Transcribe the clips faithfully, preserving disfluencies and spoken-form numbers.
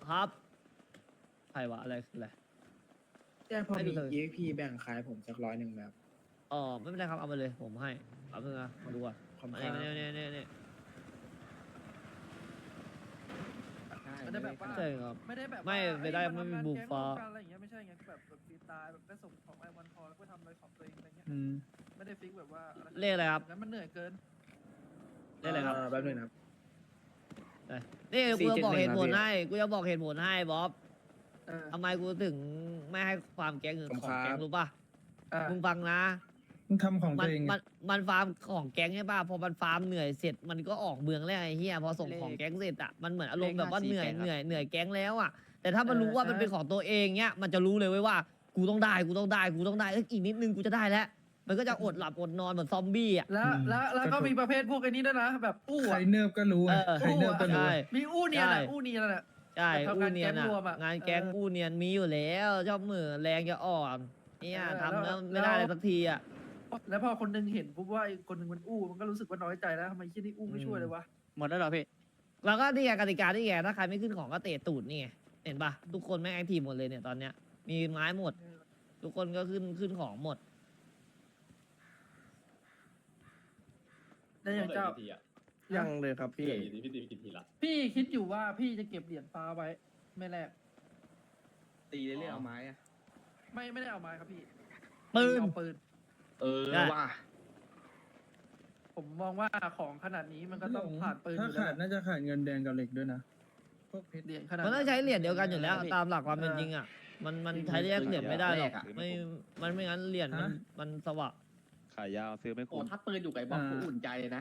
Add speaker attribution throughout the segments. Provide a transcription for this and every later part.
Speaker 1: ครับใครวะอะไรคืออะไร
Speaker 2: แจ้งพอ
Speaker 1: ให้ดู
Speaker 2: มี
Speaker 1: เลย
Speaker 2: อี เอ็กซ์ พี แบ่งขายผมสักร้อยหนึ่งแบบ
Speaker 1: อ๋อไม่เป็นไรครับเอามาเลยผมให้เอาเพิ่งนะมาดูก่อน
Speaker 2: ขอบคุณ
Speaker 1: มา
Speaker 2: ครั
Speaker 1: เนี่ย
Speaker 2: บ
Speaker 1: มาเนี่ยเนี่ยเนี่ย
Speaker 3: ไม่ได้แบบว่า
Speaker 1: ใช่ครับ
Speaker 3: ไม่ได้แบบ
Speaker 1: ไม่
Speaker 3: ว่า
Speaker 1: ไม่ได้
Speaker 3: เอ้ย
Speaker 1: ไม่มี
Speaker 3: ทำงาน
Speaker 1: บุก
Speaker 3: แก๊ง
Speaker 1: ฟ้า
Speaker 3: ร่วมกันอะไรอย่างเงี้ยไม่ใช่ไงแบบแบบฟรีสไตล์แบบได้ส่งของไอวันพอแล้วก็ทำอะไรของตัวเองอะไรเงี้ย
Speaker 4: อืม
Speaker 3: ไม่ได้ฟิกแบบว่าอะ
Speaker 1: เลขอะไรครับ
Speaker 3: งั้นมันเหนื่อยเกิน
Speaker 1: เลขอะไรครับ
Speaker 2: เแป๊บนึงนะครับ
Speaker 1: นี่กูจะบอกเหตุผล
Speaker 2: สี่เจ็ดหนึ่งครับ
Speaker 1: ให้กูจะบอกเหตุผลให้บ๊อบ
Speaker 3: เออ
Speaker 1: ทำไมกูถึงไม่ให้ความแก๊งหรือ
Speaker 2: ผม
Speaker 1: ของ
Speaker 2: ครับ
Speaker 1: แก๊งรู้ป่ะ
Speaker 3: อ่ะ
Speaker 1: มึงฟังนะ
Speaker 4: มึงทำของ
Speaker 1: มั
Speaker 4: ตัวเองไง
Speaker 1: มันมันฟาร์มของแก๊งใช่ป่ะพอมันฟาร์มเหนื่อยเสร็จมันก็ออกเมืองแล้วไอ้เหี้ยพอส่งของแก๊งเสร็จอ่ะมันเหมือนอารมณ์แบบว่าเหนื่อยเหนื่อยเหนื่อยแก๊งแล้วอ่ะแต่ถ้ามันรู้ว่ามันเป็นของตัวเองเนี้ยมันจะรู้เลยเว้ยว่ากูต้องได้กูต้องได้กูต้องได้เอ้ยอีกนิดนึงกูจะได้แล้วมันก็จะอดหลับอดนอนเหมือนซอมบี้อ่ะ
Speaker 3: แล้วแล้วแล้วก็มีประเภทพวกไอ้นี้ด้วยนะ แบบอู้
Speaker 4: ใคร
Speaker 3: อะ
Speaker 4: เนิบก็รู้ไง
Speaker 1: เออ
Speaker 4: ใครเนิบก็รู้
Speaker 1: ใช่
Speaker 3: มีอู้เนียน
Speaker 1: ใช่
Speaker 3: อะอู้เนียนอะ
Speaker 1: ใช่
Speaker 3: แบบ
Speaker 1: อู้
Speaker 3: ทำงาน
Speaker 1: เนียน
Speaker 3: แก๊ง
Speaker 1: อ่ะ
Speaker 3: รวมอะ
Speaker 1: งานแก๊ง
Speaker 3: เออ
Speaker 1: อู้เนียนมีอยู่แล้วชอบมือแรงจะอ่อนเนี่ย
Speaker 3: เออ
Speaker 1: ทำแล้ว
Speaker 3: แล้ว
Speaker 1: ไม่ได้เลยสักทีอ่ะ
Speaker 3: แล้วพอคนหนึงเห็นปุ๊บว่าอีกคนหนึงมันอู้มันก็รู้สึกว่าน้อยใจแล้วทำไมที่นี่อู้ไม่ช่วยเลยวะ
Speaker 5: หมดแล้วเหรอพี่
Speaker 1: แล้วก็นี่ไงกติกาที่ไงถ้าใครไม่ขึ้นของก็เตะตูดนี่ไงเห็นปะทุกคนแม่งแอคทีฟหมดเลยเนี่ยตอนเนี้ยมีไม้หมด ทุกคนก็ขึ้นขึ้นของหมด
Speaker 3: ได้ยังเจ้า
Speaker 2: ยังเลยครับพี่
Speaker 6: พี่พี่ตีไปกี่ทีละ
Speaker 3: พี่คิดอยู่ว่าพี่จะเก็บเหรียญฟ้าไว้ ไม่แลก
Speaker 5: ตีเรื่อยๆเอาไม้อะ
Speaker 3: ไม่ไม่ได้เอาไม้ครับพี่
Speaker 1: ปืน
Speaker 3: เอาปืน
Speaker 5: เออ
Speaker 1: ได้
Speaker 5: ว่ะ
Speaker 3: ผมมองว่าของขนาดนี้มันก็ต้องผ่านปืนอ
Speaker 4: ถ้า
Speaker 3: ยู่แล้
Speaker 4: ขาด
Speaker 3: ว
Speaker 4: น่าจะขาดเงินแดงกับเหล็กด้วยนะพวกเพชร
Speaker 3: เหรียญขนาด
Speaker 1: มันต้องใช้เหรียญเดียวกันอยู่แล้ว ตามหลักความเป็น
Speaker 3: เออ
Speaker 1: จริงอ่ะมันมันใช้แยกเหรียญไม่ได้หรอกไม่มันไม่งั้นเหรียญมันมันสวะ
Speaker 6: ขายยาวซื้อไม่
Speaker 5: โอ้
Speaker 6: คุ้ม
Speaker 5: ถ้าปืนอยู่ไก่บอกกูอุ่นใจเลยนะ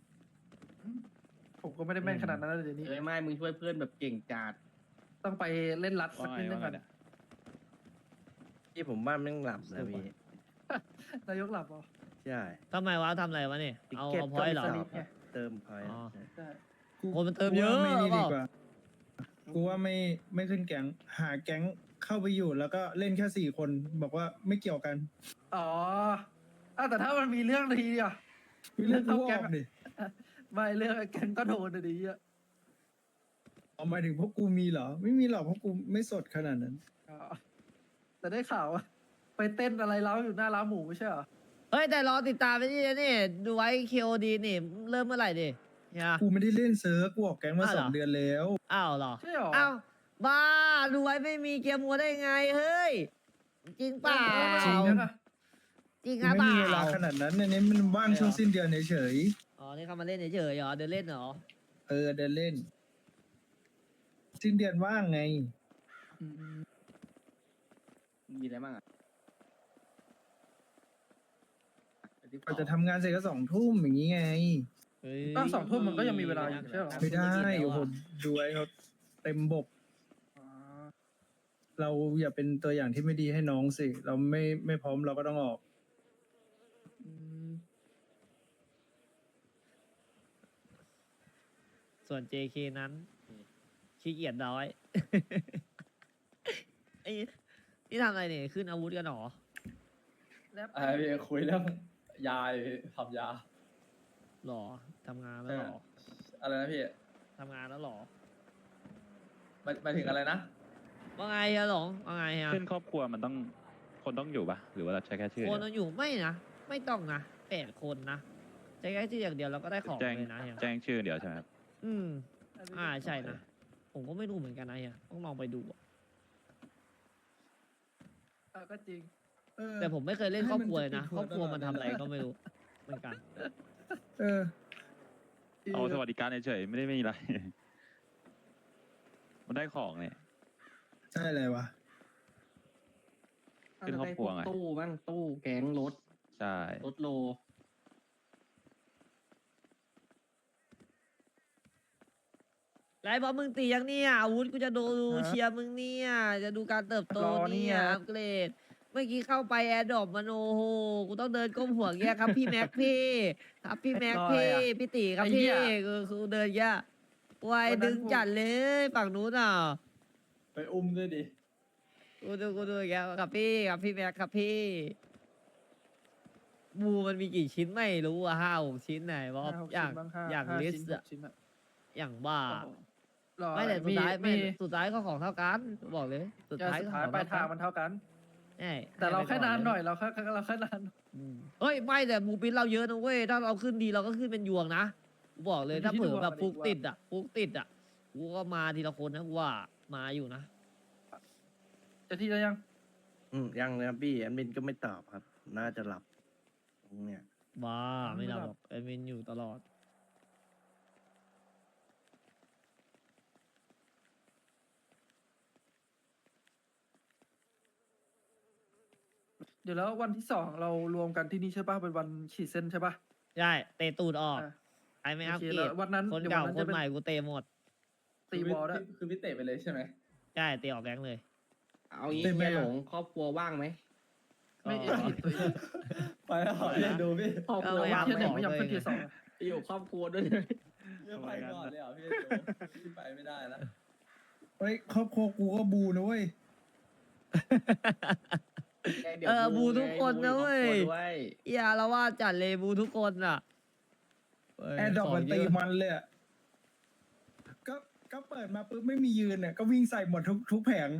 Speaker 3: ผมก็ไม่ได้แม่นขนาดนั้นเลยเดี๋ยวนี้
Speaker 5: เอ้ยไม่มึงช่วยเพื่อนแบบเก่งจัด
Speaker 3: ต้องไปเล่นรัดสั
Speaker 6: ว่าก ไง
Speaker 3: นิดนึ
Speaker 6: ว่าง ไง
Speaker 3: ก่อน
Speaker 6: เนี่ย
Speaker 2: ที่ผมว่าแม่งหลับนะพี่
Speaker 3: นายกหลับเหรอ
Speaker 2: ใช่
Speaker 1: ทำไมวะทำอะไรวะเนี่ยเอา
Speaker 2: ติ๊ก
Speaker 1: เอา
Speaker 2: เก็ต
Speaker 1: พอยต์เหรอ
Speaker 2: ก็
Speaker 3: ส
Speaker 2: มี
Speaker 3: ลิปไง
Speaker 2: เติมพอยต์
Speaker 1: อ๋อ
Speaker 3: ใช่
Speaker 4: กู
Speaker 1: คนมันเติมเยอะ
Speaker 4: กูว่าไม่นี่
Speaker 1: เป
Speaker 4: ดี
Speaker 1: ล่า
Speaker 4: กว่า กูว่าไม่ไม่ขึ้นแก๊ง หาแก๊งเข้าไปอยู่แล้วก็เล่นแค่สี่คนบอกว่าไม่เกี่ยวกัน
Speaker 3: อ๋ออ้าวแต่ถ้ามันมีเรื่องดีอ่ะ
Speaker 4: มีเรื่องกู
Speaker 3: เข้า
Speaker 4: อ
Speaker 3: แก๊
Speaker 4: อง กดิ
Speaker 3: ไม่เรื่องแกงก็โดนอะดีอ่ะ
Speaker 4: เอาหมายถึงพวกกูมีเหรอ ไม่มีหรอกเพราะกูไม่สดขนาดนั้น
Speaker 3: อ๋อแต่ได้ข่าวว่าไปเต้นอะไรเล้าอยู่หน้าร้านหมูไม่ใช่เหรอ
Speaker 1: เฮ้ยแต่รอติดตามไปนี่นะนี่ดูไว้ เค โอ ดี นี่เริ่มเมื่อไหร่ดิเนี่ย
Speaker 4: กูไม่ได้เล่นเซิร์ฟกูออกแก๊งมา
Speaker 1: อ้าว
Speaker 4: ส
Speaker 1: เหร
Speaker 4: อ
Speaker 1: อ
Speaker 4: งเดือนแล้ว
Speaker 1: อ้าวเหรอ
Speaker 3: ใช่เหรอ
Speaker 1: อ้าวบ้าดูไว้ไม่มีเกียร์มัวได้ไงเฮ้ยจริงเปล่า
Speaker 3: จริงนะ
Speaker 1: จริงค
Speaker 4: กู
Speaker 1: รับ
Speaker 4: ไม่
Speaker 1: เป
Speaker 4: มีเวลา
Speaker 1: ล่า
Speaker 4: ขนาดนั้นอันนี้มันว่างช่วงสิ้นเดือนเฉย
Speaker 1: อ๋อนี่เขามาเล่นเฉยๆเหรอเดินเล่นเหรอ
Speaker 4: ๆเออเดินเล่น สิ้นเดือนว่างไง
Speaker 3: อืม
Speaker 5: มีอะไรบ้างอ่ะ
Speaker 4: เราจะทำงานเสร็จก็สองทุ่มอย่างนี้ไง
Speaker 1: เฮ้ย
Speaker 3: ก็สองทุ่มมันก็ยังมีเวลาอยู่ใช่เหรอ
Speaker 4: ไม่ได้โอ้โหดูไอ้เขาเต็มบก
Speaker 3: อ๋อ
Speaker 4: เราอย่าเป็นตัวอย่างที่ไม่ดีให้น้องสิ เราไม่ไม่พร้อมเราก็ต้องออก
Speaker 3: อืม
Speaker 1: ส่วน เจ เค นั้นขี้เกียจน้อย ไอ้นี่ทำอะไรเนี่ยขึ้นอาวุธกันเหรอ
Speaker 3: แล้ว
Speaker 7: ไอ้พี่คุยเรื่องยาเลยพี่ทำยา
Speaker 1: หรอทำงานแล้วหรอ
Speaker 7: อะไรนะพี่
Speaker 1: ทำงานแล้วหรอ
Speaker 7: หมายหมายถึงอะไรนะ
Speaker 1: ว่าไงอะหลงว่าไงอะ
Speaker 6: ขึ้นครอบครัวมันต้องคนต้องอยู่ปะหรือว่าเราใช้แค่ชื่อ
Speaker 1: คน
Speaker 6: เดียว
Speaker 1: เราอยู่ไม่นะไม่ต้องนะแปดคนนะใช้แค่ชื่ออย่างเดียวเราก็ได้ของ
Speaker 6: แจ้ง
Speaker 1: เลยนะเฮีย
Speaker 6: แจ้งชื่อเดียวใช่ไหมครับ
Speaker 1: อืมอ่าใช่นะผมก็ไม่รู้เหมือนกันนะเฮียต้องลองไปดูอะ
Speaker 3: เออก็จริง
Speaker 4: เออ
Speaker 1: แต่ผมไม่เคยเล่นครอบครัวเลยนะ
Speaker 4: ให้
Speaker 1: คร
Speaker 4: มั
Speaker 1: อน บครัวมันทำอะไร
Speaker 4: ตลอด
Speaker 1: ก็ไม่รู้เหมือนกัน
Speaker 4: เออ
Speaker 6: เอาสวัสดิการเฉยๆไม่ได้มีอะไร มันได้ของเนี่ย
Speaker 4: ใช่เลยวะ
Speaker 6: ขึ้นครอบครัวไง
Speaker 5: ตู้บ้างตู้แก๊งรถ
Speaker 6: ใช่
Speaker 5: รถโล
Speaker 1: ไรบอสมึงตียังเนี่ยอาวุธกูจะดู
Speaker 3: ฮะ
Speaker 1: เชียร์มึงเนี่ยจะดูการเติบโต
Speaker 3: รอเนี่
Speaker 1: เนี่ย ยอัปเกรดเมื่อกี้เข้าไปแอร์ดรอปมันโอ้โหกูต้องเดินก้มหัวเงี้ยครับพี่แม็กพี่ครับพี่แม็ก
Speaker 3: รออะไร
Speaker 1: พี่
Speaker 3: อะ
Speaker 1: พี่ตีครับ
Speaker 3: ไอ้เหี้
Speaker 1: พี่
Speaker 3: ย
Speaker 1: คือคือเดินเงี้ยไวาย
Speaker 3: วันนั้น
Speaker 1: ดึง
Speaker 3: กู
Speaker 1: จัดเลยฝั่งนู้นอ่ะ
Speaker 7: ไปอุ้มด้วยดิ
Speaker 1: กูดูกูดูอย่างเงี้ยครับพี่ครับพี่แม็กครับพี่บูมันมีกี่ชิ้นไม่รู้อะห้าหกชิ้นไหนบอส
Speaker 3: ห้าหก
Speaker 1: อย่าง
Speaker 3: ชิ้นบ้างห้า
Speaker 1: อย่าง
Speaker 3: ห้า
Speaker 1: ลิส
Speaker 3: ชิ้น
Speaker 1: ต์
Speaker 3: ห
Speaker 1: อะ
Speaker 3: กชิ้นอะ
Speaker 1: อย่างบ้า
Speaker 3: โอ้โหรอ
Speaker 1: ไม่แต่สุด
Speaker 3: มี
Speaker 1: ท้ายไม่
Speaker 3: มี
Speaker 1: สุดท้ายก็ของเท่ากันบอกเลย สุด
Speaker 3: เออ
Speaker 1: ท้าย
Speaker 3: สุ
Speaker 1: ก็
Speaker 3: ด
Speaker 1: ข
Speaker 3: ท้าย
Speaker 1: อง
Speaker 3: ปลายทาง
Speaker 1: เท่ากั
Speaker 3: มัน นเท่ากัน
Speaker 1: ใช่
Speaker 3: แต่เรา
Speaker 1: ให้
Speaker 3: แค่
Speaker 1: ไปก่
Speaker 3: นาน
Speaker 1: ล
Speaker 3: หน่อยเราแค่เราแค่นาน
Speaker 1: อืมเฮ้ยไม่แต่บูปินเราเยอะนะเว้ยถ้าเราขึ้นดีเราก็ขึ้นเป็นยวงนะกูบอกเลยถ้าเผื่อแบบฟุกติดอ่ะฟุกติดอ่ะกูก็มาทีละคนนะกูว่ามาอยู่นะ
Speaker 3: จะที่จะยัง
Speaker 2: อืมยังเลยครับพี่แอดมินก็ไม่ตอบครับ น่าจะหลับตรงเนี่ย
Speaker 1: บ้าไม่รับหรอกแอดมินอยู่ตลอด
Speaker 3: เดี๋ยวแล้ววันที่สองเรารวมกันที่นี่ใช่ป่ะเป็นวันขีดเส้นใช่ป่ะ
Speaker 1: ใช่เตะตูดออก
Speaker 3: อ่ะ
Speaker 1: ไอ้ไม่อัพ
Speaker 3: โอเค
Speaker 1: เกร
Speaker 3: แล้
Speaker 1: ด
Speaker 3: ววันนั้น
Speaker 1: คน
Speaker 3: เดี๋ยว
Speaker 1: เก่า
Speaker 3: วันนั้น
Speaker 1: ค
Speaker 3: จะ
Speaker 1: น
Speaker 3: เป็น
Speaker 1: ใหม่กูเตะหมด
Speaker 3: ตีบอลด้วย
Speaker 7: คือพี่เตะไปเลยใช่ไหม
Speaker 1: ใช่เตะออกแก๊งเลย
Speaker 5: เอางี้
Speaker 4: เต็มไหม
Speaker 5: เฮีย
Speaker 4: อะ
Speaker 5: หลงครอบครัวว่างไหม
Speaker 3: ไม่
Speaker 1: ก็
Speaker 3: ผิดตัวเอง
Speaker 7: ไปแล้วเหรอเรียนดูพี่
Speaker 5: ครอบครัว
Speaker 1: เอาไว้
Speaker 5: ว่าง
Speaker 3: เทีย
Speaker 5: ไห
Speaker 3: ห
Speaker 5: ม
Speaker 3: นึ่งไม่ยอมขึ้นเทียสองอะ
Speaker 5: อยู่ครอบครัวด้วยเลย
Speaker 7: เรียกไปก่อนเลยเหรอพี่ดูพี่ไปไม่ได้แล้ว
Speaker 4: เฮ้ยครอบครัวกูก็บูนะเว้ย
Speaker 5: ดี๋ยว
Speaker 1: เออบูทุกคนนะเว้ย
Speaker 5: บูอยู่ครอบครัด้วย
Speaker 1: อย่าละว่าจัดเลยบูทุกคนอ่ะเว้ย
Speaker 4: แอร์ดรอป
Speaker 1: ขง
Speaker 4: มัน
Speaker 1: เย
Speaker 4: ตี
Speaker 1: อะ
Speaker 4: มันเลยอะก็ก็เปิดมาปุ๊บไม่มียืนเนี่ยก็วิ่งใส่หมดทุกทุกแผง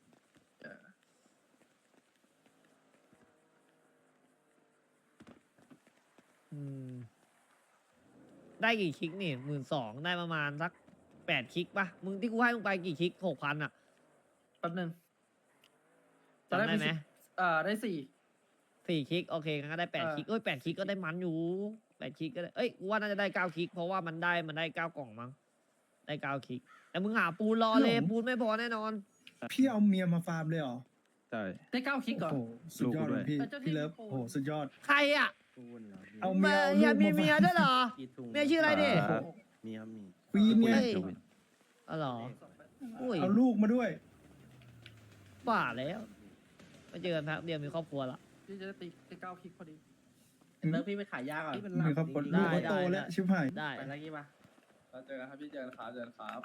Speaker 1: อืมได้กี่คลิกนี่หมื่นสองได้ประมาณสักแปดคลิกปะมึงที่กูให้มึงไปกี่คลิกหกพันอ่ะ
Speaker 3: แป๊บนึง
Speaker 1: จำได้ไหม
Speaker 3: สิบอ่าได้สี่
Speaker 1: สี่คลิกโอเคงั้นก็ได้แปด
Speaker 3: เออ
Speaker 1: คลิกเอ้ยแปดคลิกก็ได้มันอยู่แปดคลิกก็ได้เอ้ยกูว่าน่าจะได้เก้าคลิกเพราะว่ามันได้มันได้เก้ากล่องมั้งได้เก้าคลิกแต่มึงหาปูนรอเลยปูนไม่พอแน่นอน
Speaker 4: พี่เอาเมียมาฟาร์มเลยเหรอ
Speaker 6: ใช่
Speaker 3: ได้เก้าคลิกก่อน
Speaker 4: โอ้โหสุดยอดเลยพี่
Speaker 3: ลูกกูด้วย
Speaker 4: พี่เลิฟโอ้โหสุดยอด
Speaker 1: ใครอ่ะ
Speaker 2: พูดเหรอพี่
Speaker 4: เอาเมีย
Speaker 1: เมียมีเมียด้วยเหรอ
Speaker 2: กี่ถุง
Speaker 1: เมียชื่ออะไรดิ
Speaker 6: ครับ
Speaker 2: มีครับมี
Speaker 4: ควีนไง
Speaker 1: เฮ้ย อ๋อเหรออุ้ย
Speaker 4: เอาลูกมาด้วย
Speaker 1: บ้าแล้วมาเจอกันแป๊บเดียวมีครอบครัวละ
Speaker 3: ที่จะได้ตีได้เก้าคลิกพอดี
Speaker 5: เลิกพี่ไปขายยาก่อน
Speaker 3: นี่เป็นหลั
Speaker 4: มี
Speaker 3: ก
Speaker 4: ครอบครัว
Speaker 3: จริง
Speaker 4: ลูก
Speaker 3: ๆ
Speaker 4: ก็
Speaker 1: ได้
Speaker 4: โต
Speaker 1: ได้
Speaker 4: แล้วชิบหาย
Speaker 1: ได้
Speaker 5: ไปแล้วกี้ปะ
Speaker 7: เราเจอกันครับพี่เจอกันครับเจอกันครับ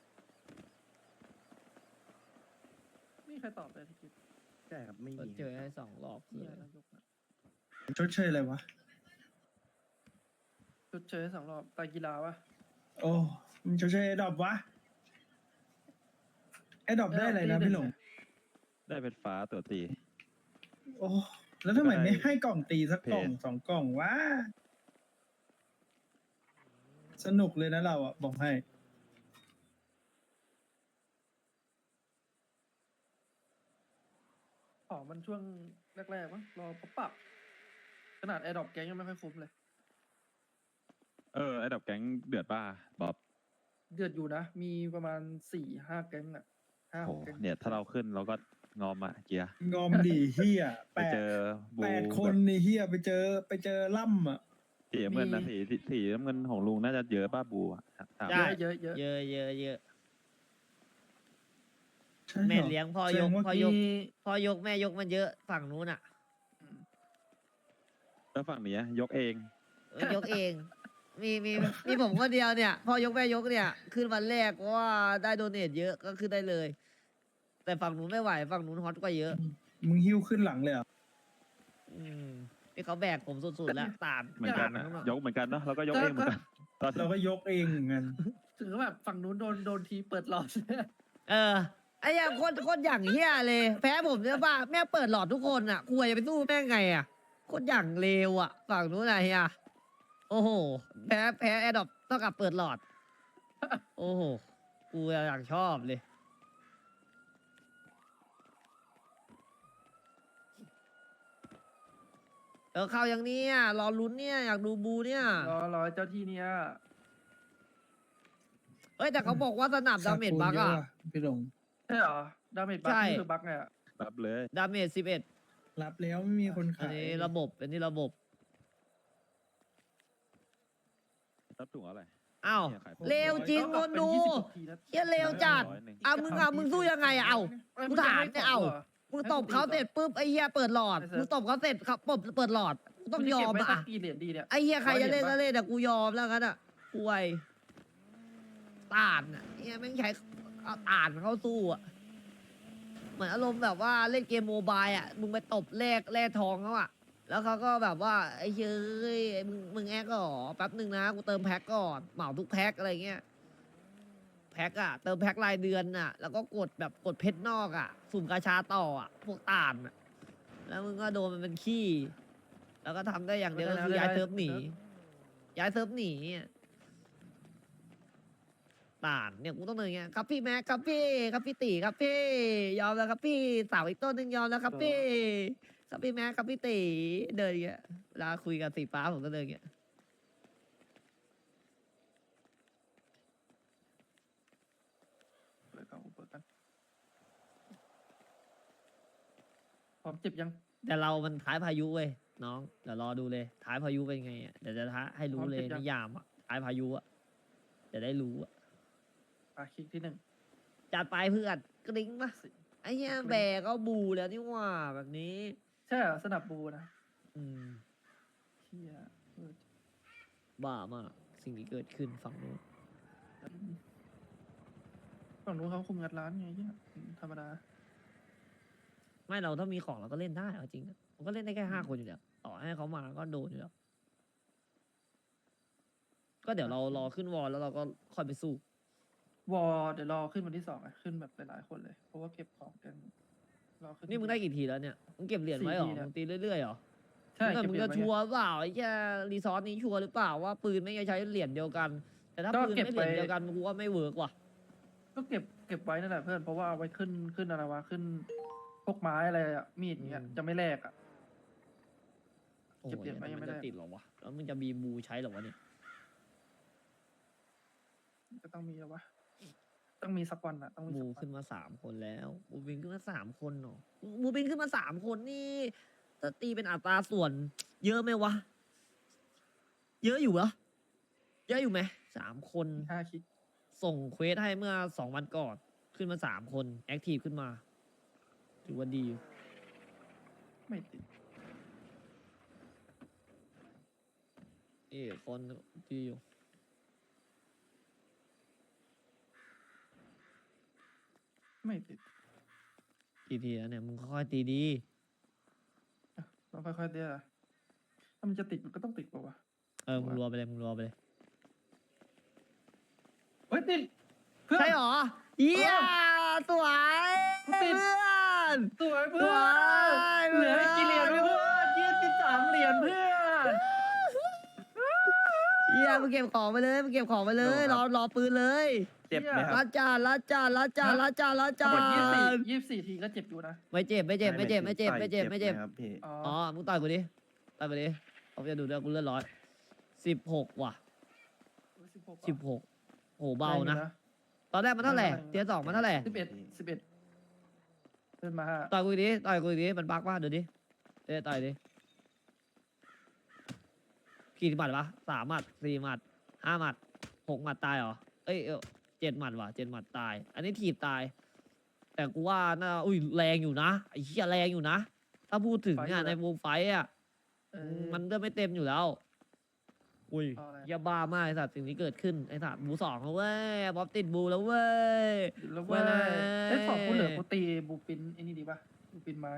Speaker 3: ไม่มีใครตอบเลยที่คิด
Speaker 2: ใช่ครับไม่
Speaker 1: ก็
Speaker 2: มี
Speaker 1: เจอให้สองรอบ
Speaker 3: เหี้
Speaker 1: เลย ย
Speaker 3: นายกอะ
Speaker 4: ชดเชยอะไรวะ
Speaker 3: ชดเชยให้สองรอบตายกีฬาวะ
Speaker 4: โอ้มันชดเชยไอ้ดรอปวะไอ้ดรอปได้อะไรนะพี่หลง
Speaker 6: ได้เป็นฟ้าตัวตี
Speaker 4: โอ้แล้วทำไมไม่ให้กล่องตีสักกล่อง
Speaker 6: เพจ
Speaker 4: สองกล่องวะสนุกเลยนะเราอ่ะบอกให้
Speaker 3: อ๋อมันช่วงแรกๆมั้งรอเขาปรับ ขนาดแอร์ดรอปแก๊งยังไม่ค่อยคุ้มเลย
Speaker 6: เออไอ้ดับแก๊งเดือดป้าบ๊อบ
Speaker 3: เดือดอยู่นะ มีประมาณสี่ห้าแก๊งอะห้าห
Speaker 6: โอ้
Speaker 3: กแก๊ง
Speaker 6: เนี่ยถ้าเราขึ้นเราก็งอมอะเกียร์
Speaker 4: งอมดีเฮีย
Speaker 6: ไป
Speaker 4: แปด
Speaker 6: เจอบู
Speaker 4: แปดคนนี่เฮียไปเจอไปเจอล่ำอ่ะ
Speaker 6: สีน้ำเงินนะสีสีสีน้ำเงินของลุงน่าจะเยอะป้าบูอะถาม
Speaker 1: ได้
Speaker 3: เยอะเยอะเยอะ
Speaker 1: เยอะเยอะเยอะ
Speaker 4: ใช่หรอ
Speaker 1: แม่เลี้ยงพ่อยก
Speaker 4: แสดงว่า
Speaker 1: พ่อยก
Speaker 3: มี
Speaker 1: พ่อยกแม่ยกมันเยอะฝั่งนู้นอ่ะ
Speaker 6: แล้วฝั่งเนี้ยยกเอง
Speaker 1: เออยกเอง มีมีมีผมคนเดียวเนี่ยพ่อยกแม่ยกเนี่ย ขึ้นวันแรกเพราะว่าได้โดเนทเยอะก็ขึ้นได้เลย แต่ฝั่งนู้นไม่ไหวฝั่งนู้นฮอตกว่าเยอะ
Speaker 4: มึงหิ้วขึ้นหลังเลยเหรอ
Speaker 1: อืมนี่เขาแบกผมสุดๆแล้วตาม
Speaker 6: เหมือนกันนะ
Speaker 1: ตาม
Speaker 6: ยกเหมือนกันเนาะแล้วก็ยกเองเหมือนกันตอน
Speaker 4: เราก็ยกเองเหมือนกัน
Speaker 3: ถึงแบบฝั่งนู้นโดนโดนทีเปิดหลอด
Speaker 1: เออไอ้อย่างคนคนอย่างเฮียเลย แพ้ผมเนี่ยป่ะแม่งเปิดหลอดทุกคนอ่ะกลัวจะไปสู้แม่งไงอ่ะคนอย่างเลวอ่ะ ฝั่งนู้นอะเฮียโอ้โห แพ้แพ้แอดดอปเท่ากับเปิดหลอด โอ้โหกูอยากชอบเลย เออเข้าอย่างเนี้ยรอลุ้นเนี่ยอยากดูบูเนี่ย
Speaker 3: รอรอเจ้าที่เนี้ย
Speaker 1: เอ้ยแต่เขาบอกว่าสนับดาเมจบักอ่ะ
Speaker 4: พี่หลง
Speaker 3: ใช่เหรอ ดาเมจบัค
Speaker 1: ใช่
Speaker 3: นี่คือบัคไงอะ
Speaker 6: รับเลย
Speaker 1: ดาเมจสิบเอ็ด
Speaker 4: รับแล้วไม่มีคน
Speaker 1: อัน
Speaker 4: ขาย
Speaker 1: นี้ระบบเป็นที่ระบบ
Speaker 6: รับถุงอะไร
Speaker 1: อ้าว
Speaker 6: เนี่ยขาย
Speaker 1: เร็วจริง
Speaker 3: ก็
Speaker 1: คน
Speaker 3: เป็น
Speaker 1: ดู
Speaker 3: ยี่สิบกว่าทีนะ
Speaker 1: เฮียเร็วจัด
Speaker 6: ร้อยหนึ่ง
Speaker 1: อ่ะมึงอ่ะมึงสู้ยังไงอ่ะเอ้า
Speaker 3: เอ้ย
Speaker 1: กูถามเนี่ยเอ้า มึงตบเขาเสร็จปุ๊บไอ้เฮียเปิดหลอด
Speaker 3: ไอ้เซิร์ฟ
Speaker 1: มึงตบเขาเสร็จเขาปบเปิดหลอดกูต้องยอม
Speaker 3: นจะเก็บไว้สั
Speaker 1: อ่ะ
Speaker 3: กกี่เหรียญดีเนี่ย
Speaker 1: ไอ้เฮียใครจะเล่น
Speaker 3: ร้
Speaker 1: ก็
Speaker 3: อยเหรียญปะ
Speaker 1: เล่นแต่กูยอมแล้วกันอ่ะกูไอตานอ่ะเฮียแม่งใช้เอาตานเข้าสู้อ่ะเหมือนอารมณ์แบบว่าเล่นเกมโมบายอ่ะมึงไปตบแลกแลกทองเขาอ่ะแล้วเขาก็แบบว่าไอ้เฮ้ยมึงมึงแอกก็หรอแป๊บหนึ่งนะกูเติมแพ็คก่อนเหมาทุกแพ็คอะไรเงี้ยแพ็คอะเติมแพ็ครายเดือนอะแล้วก็กดแบบกดเพชรนอกอะสุ่มกาชาต่ออะพวกต่านอะแล้วมึงก็โดนมันเป็นขี้ แล้วก็ทำได้อย่างเดียวก็คือย้ายเซิร์ฟหนีย้ายเซิร์ฟหนีอะต่านเนี่ยกูต้องเดินอย่างเงี้ยครับพี่แม็กครับพี่ครับพี่ตีครับพี่ยอมแล้วครับพี่สาวอีกต้นหนึ่งยอมแล้วครับพี่ครับพี่แม็กครับพี่ตีเดินอย่างเงี้ยเวลาคุยกับสีฟ้าผมก็เดินอย่างเงี้ย
Speaker 3: เปิดกันเปิดกันพร้อมเจ็บยัง
Speaker 1: แต่เรามันท้ายพายุเว้ยน้องเดี๋ยวรอดูเลย ท้ายพายุเป็นไงอะเดี๋ยวจะท้าให้รู้เลยนิยามอะท้ายพายุอะจะได้รู้อะ
Speaker 3: อ่ะคลิกที่หนึ่ง
Speaker 1: จัดไปเพื่อนกริ๊งปะไอ้เหี้ยแบกก็บูแล้วนี่หว่าแบบนี้
Speaker 3: ใช่เหรอสนับบูนะ
Speaker 1: อืม
Speaker 3: เชี่ยเออ
Speaker 1: บ้ามากสิ่งที่เกิดขึ้นฝั่งนู้น
Speaker 3: ฝั่งนู้นเขาคุมงัดร้านไงเนี่ยอืมธรรมดา
Speaker 1: ไม่เราถ้ามีของเราก็เล่นได้เอาจริงนะมันก็เล่นได้แค่ห้าคนอยู่แล้วต่อให้เขามาก็โดนอยู่แล้วก็เดี๋ยวเรารอขึ้นวอลแล้วเราก็ค่อยไปสู้
Speaker 3: วอเดี๋ยวรอขึ้นวันที่สองอะขึ้นแบบหลายๆคนเลย เพราะว่าเก็บของกันรอขึ้น
Speaker 1: นี่มึงได้กี่ทีแล้วเนี่ยมึงเก็บเหรียญไว้เหรอ
Speaker 3: สี่ทีเนี่ย
Speaker 1: มึงตีเรื่อยๆเหรอ
Speaker 3: ใช่
Speaker 1: แต่
Speaker 3: เก็บ
Speaker 1: มึง
Speaker 3: เหรีย
Speaker 1: จะ
Speaker 3: ญไว้
Speaker 1: ชัวร์เปล่าไอ้แค่รีซอสนี้ชัวร์หรือเปล่าว่าปืนไม่ใช้เหรียญเดียวกัน แต่ถ้า
Speaker 3: ก็
Speaker 1: ปืน
Speaker 3: เก็บ
Speaker 1: ไม่เหรียญ
Speaker 3: ไว้
Speaker 1: เดียวกันกูว่าไม่เวิร์กว่ะ
Speaker 3: ก็เก็บเก็บไว้นั่นแหละเพื่อนเพราะว่าเอาไว้ขึ้นขึ้นอะไรวะขึ้นพวกไม้อะไรอะมีดอย่างเงี้ย
Speaker 1: อืม
Speaker 3: จะไม่แลกอะ
Speaker 1: โอ้โห
Speaker 3: เก็บเหรียญไว้ยังไม่ได้
Speaker 1: นจะติดหรอวะแล้วมึงจะมีบูใช้หรอวะเนี่ย
Speaker 3: ก็ต้องมีแล้ววะต้องมีสักวันอะต้องมี
Speaker 1: บู
Speaker 3: สักวั
Speaker 1: ขึ้
Speaker 3: น
Speaker 1: นมาสามคนแล้วบูบินขึ้นมาสามคนเนาะบูบินขึ้นมาสามคนนี่ถ้าตีเป็นอัตราส่วน เยอะไหมวะ เยอะอยู่เหรอเยอะอยู่ไหมสามคน
Speaker 3: ห้าคลิก
Speaker 1: ส่งเควสให้เมื่อสองวันก่อน ขึ้นมาสามคน แอคทีฟขึ้นมา ถือว่าดีอยู่
Speaker 3: ไม่ติด
Speaker 1: เอ้คนดีอยู่
Speaker 3: ไม่ติด
Speaker 1: กี่ทีแล้วเนี่ย มึงค่อยๆตีดี
Speaker 3: ต้องค่อยๆเดี๋ยวถ้ามันจะติดมันก็ต้องติดป่าวะ
Speaker 1: เออ มึงรัวไปเลย มึงรัวไปเลย
Speaker 3: เฮ้ยติดเพื่อน
Speaker 1: ใช่หรอเยี่ยสวย
Speaker 3: ติด
Speaker 1: เพื่อน
Speaker 3: สวย
Speaker 1: ส
Speaker 3: เพื่
Speaker 1: ว
Speaker 3: อน
Speaker 1: ย
Speaker 3: เหลืออีกกี่เหรียญเพื่อนยี่สิบสามเหรียญเพื่อน
Speaker 1: เยี่ยมึงเก็บของไปเลย มึงเก็บของไปเลย รอรอปืนเลย
Speaker 2: เจ็บไหมค
Speaker 1: ลา
Speaker 2: รับ
Speaker 1: จานลาจานลาจานลาจานลาจา
Speaker 3: หมดยี่สิบ
Speaker 1: น
Speaker 3: ยี่สิบสี่ทีก็เจ็บอยู่นะ
Speaker 1: ไม่เจ็บ ไม่เจ็บ ไม่เจ็บ ไม่เจ็บ ไม่เจ็บ ไม่เจ็บ
Speaker 2: หครับพี่
Speaker 3: อ๋อ
Speaker 1: อ๋อ มึงต่อยกูดิ ต่อยกูดิเขาจะดูด้วยกูเลือดร้อยสิบหกว่ะ
Speaker 3: สิบหก
Speaker 1: สิบหกโหเบานะ ตอนแรกมันเท่าไหร่เทียร์สองมันเท่าไหร่
Speaker 3: สิบเอ็ดสิบเอ็ดเดินมา
Speaker 1: ต่อยกูอีกดิ ต่อยกูอีกดิ มันบักป่ะเดี๋ยวดิเดี๋ยวต่อยดิกี่หมัดวะสามหมัดสี่หมัดห้าหมัดหกหมัดตายเหรอ เอ้ยเอ้ยเจ็ดหมัดว่ะเจ็ดหมัดตาย อันนี้ถีบตาย แต่กูว่าน่าอุ้ยแรงอยู่นะไอ้เหี้ยแรงอยู่นะ ถ้าพูดถึงอ่ะในวงไฟท์อ่ะ
Speaker 3: เออ
Speaker 1: มันเริ่มไม่เต็มอยู่แล้ว อุ้ย
Speaker 3: เอาอะไร
Speaker 1: อย่าบ้ามากไอ้สัตว์สิ่งที่เกิดขึ้นไอ้สัตว์บูสองแล้วเว้ยบ๊อบติดบูแล้วเว้ย
Speaker 3: แล้วเว่า
Speaker 1: เว้ย
Speaker 3: ไอ้ยสองกูเหลือกูตีบูปินไอ้นี่ดีป่ะบูปินไม้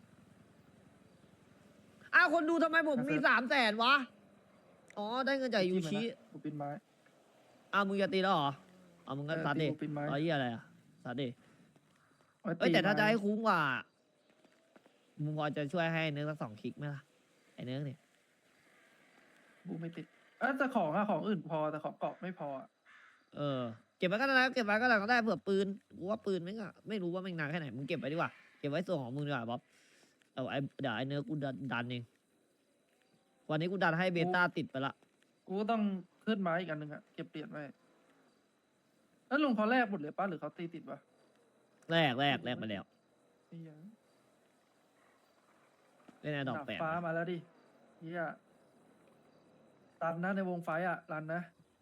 Speaker 1: อ้าวคนดูทำไมผม
Speaker 3: ครับ
Speaker 1: มีสามแสนวะ อ๋อ ได้เงินจากยูชิ
Speaker 3: บูปินไม้
Speaker 1: อ้าวมึงจะตีแล้วเหรออ้าวมึงก็
Speaker 3: เออ
Speaker 1: ซัดดิ
Speaker 3: ตีบูปินไม้
Speaker 1: ร้อยยี่อะไรอ่ะซัดดิ
Speaker 3: ไว้
Speaker 1: เอ้ยแต่ถ้าจะ
Speaker 3: ไม้
Speaker 1: ให้คุ้มกว่า มึงพอจะช่วยให้เนื้อสักสองคลิกไหมล่ะ ไอ้เนื้อเนี่ย
Speaker 3: บูไม่ติดเออแต่ของอะของอื่นพอแต่ของเกาะไม่พออะ
Speaker 1: เออ เก็บไว้ก็ได้นะเก็บไว้ก็ได้ก็ได้เผื่อปืน กูว่าปืนไม่งอะไม่รู้ว่าแม่งนานแค่ไหน มึงเก็บไว้ดีกว่า เก็บไว้ส่วนของมึงดีกว่าบ๊อบเอาไอ้เดี๋ยวไอ้เนื้อกูดันดันเอง วันนี้กูดันให้เบต้าติดไปละ
Speaker 3: กูก็ต้องขึ้นไม้อีกอันหนึ่งอะเก็บเหรียญไว้แล้วลุงเขาแลกหมดเลยป่ะหรือเขาตีติดวะ
Speaker 1: แรกแรกแรกไปแล้ว
Speaker 3: ไอ้เหี้ย
Speaker 1: เล่นไอ้ดอก
Speaker 3: ดาบ
Speaker 1: แปด
Speaker 3: ฟ้ามาแล้วดิเฮียตันนะในวงไฟอะรันนะ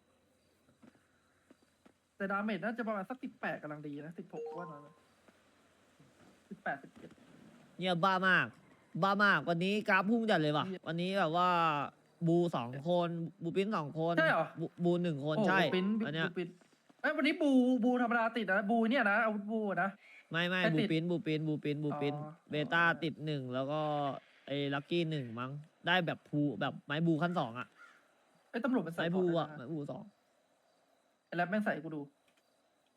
Speaker 3: แต่ดาเมจน่าจะประมาณสักสิบแปดกำลังดีนะสิบหกว่าน้อยสิบแปดสิบเจ็ด
Speaker 1: เนี่ยบ้ามาก บ้ามาก วันนี้กราฟพุ่งจัดเลยว่ะ วันนี้แบบว่า บูสองคน บูปิ้นสองคน
Speaker 3: ใช่เหรอ
Speaker 1: บูบูหนึ่งคน
Speaker 3: โอ้
Speaker 1: ใช่
Speaker 3: ปิ้น
Speaker 1: อันเนี้ย
Speaker 3: บูปิ้นเอ้ยวันนี้บูบูธรรมดาติดนะบูเนี่ยนะอาวุธบูนะ
Speaker 1: ไม่ไม่
Speaker 3: ใคร
Speaker 1: บู
Speaker 3: ติด
Speaker 1: ปิ้นบูปิ้นบูปิ้นบูปิ้น
Speaker 3: อ๋อ
Speaker 1: เบต้าติดหนึ่งแล้วก็ไอ้ลักกี้หนึ่งมั้ง ได้แบบภูแบบไม้บูขั้นสองอ่ะ
Speaker 3: ไอ้ยตำรวจมันใส่
Speaker 1: ไม้
Speaker 3: ข
Speaker 1: บู
Speaker 3: ง
Speaker 1: อ่ะ
Speaker 3: ได้
Speaker 1: ไม้
Speaker 3: นะ
Speaker 1: บูสอง
Speaker 3: ไอ้แรปแม่งใส่ให้กูดู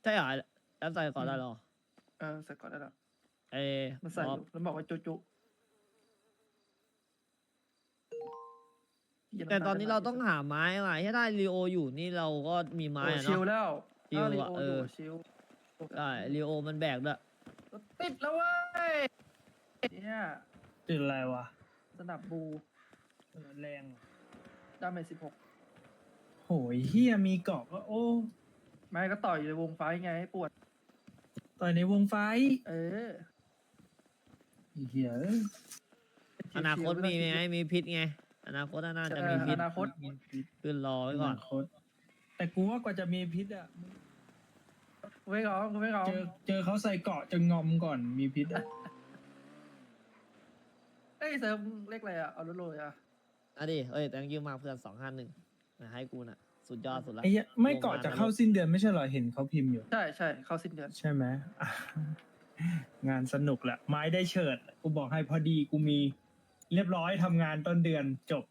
Speaker 1: ใช่เหรอแล้วใส่ก่อนได้เหรอ
Speaker 3: เออใส่ก่อนได้แล้ว
Speaker 1: เอ้
Speaker 3: มันใส่
Speaker 1: บ
Speaker 3: อ
Speaker 1: อบ
Speaker 3: ยู่แล้วบอกว่าจุจุหี้ย
Speaker 1: แต่ตอน
Speaker 3: ำ
Speaker 1: นี้
Speaker 3: ลย
Speaker 1: เราต้องหาไม้ว่ะถ้าได้ลีโออยู่นี่เราก็มีไม้
Speaker 3: โอ้
Speaker 1: อะ
Speaker 3: ชิล
Speaker 1: เนาะ
Speaker 3: แล้ว
Speaker 1: ชิล
Speaker 3: ถ้าลี
Speaker 1: อะ
Speaker 3: โอ
Speaker 1: เอ
Speaker 3: อยู่
Speaker 1: อ
Speaker 3: ชิล
Speaker 1: ได้ลีโอมันแบกด้วย
Speaker 3: ติดแล้วเว้ยเนี่ย
Speaker 4: ติดอะไรวะ
Speaker 3: สนับบู
Speaker 4: เออแรงว่ะ
Speaker 3: ดาเมจสิบหก
Speaker 4: โหยเฮียมีเกาะก็โอ้
Speaker 3: ไม่ก็ต่อยอยู่ในวงไฟไงให้ปวด
Speaker 4: ต่อยในวงไฟ
Speaker 3: เออ
Speaker 4: เฮียเอ้ย
Speaker 1: อนาคตมีไหมมีพิษไง อนาคตน่าจะมีพิษ
Speaker 3: อนาคต
Speaker 4: มีพิษ
Speaker 1: ขึ้นรอไว้ก่อน
Speaker 4: นาคตแต่กูว่ากว่าจะมีพิษอ่ะมึง
Speaker 3: กูไม่ร้องกูไม่ร้อง
Speaker 4: เจอเจอเขาใส่เกาะจะงอมก่อนมีพิษอ่ะ
Speaker 3: เอ้ยเซิร์ฟเลขอะไรอ่ะ เอาลุยๆอ่ะ
Speaker 1: อ่ะดิเอ้ยแต่ยืมมาเพื่อนสองห้าหนึ่งมาให้กูน่ะ สุดยอดสุดละ
Speaker 4: ไอ้เหี้ยไม่เกาะจะเข้าสิ้นเดือนไม่ใช่เหรอเห็นเขาพิมพ์อยู่
Speaker 3: ใช่ใช่เข้าสิ้นเดือน
Speaker 4: ใช่ไหมอ่ะงานสนุกแหละ ไม้ได้เฉิด กูบอกให้พอดีกูมี เรียบร้อยทำงานต้นเดือนจบ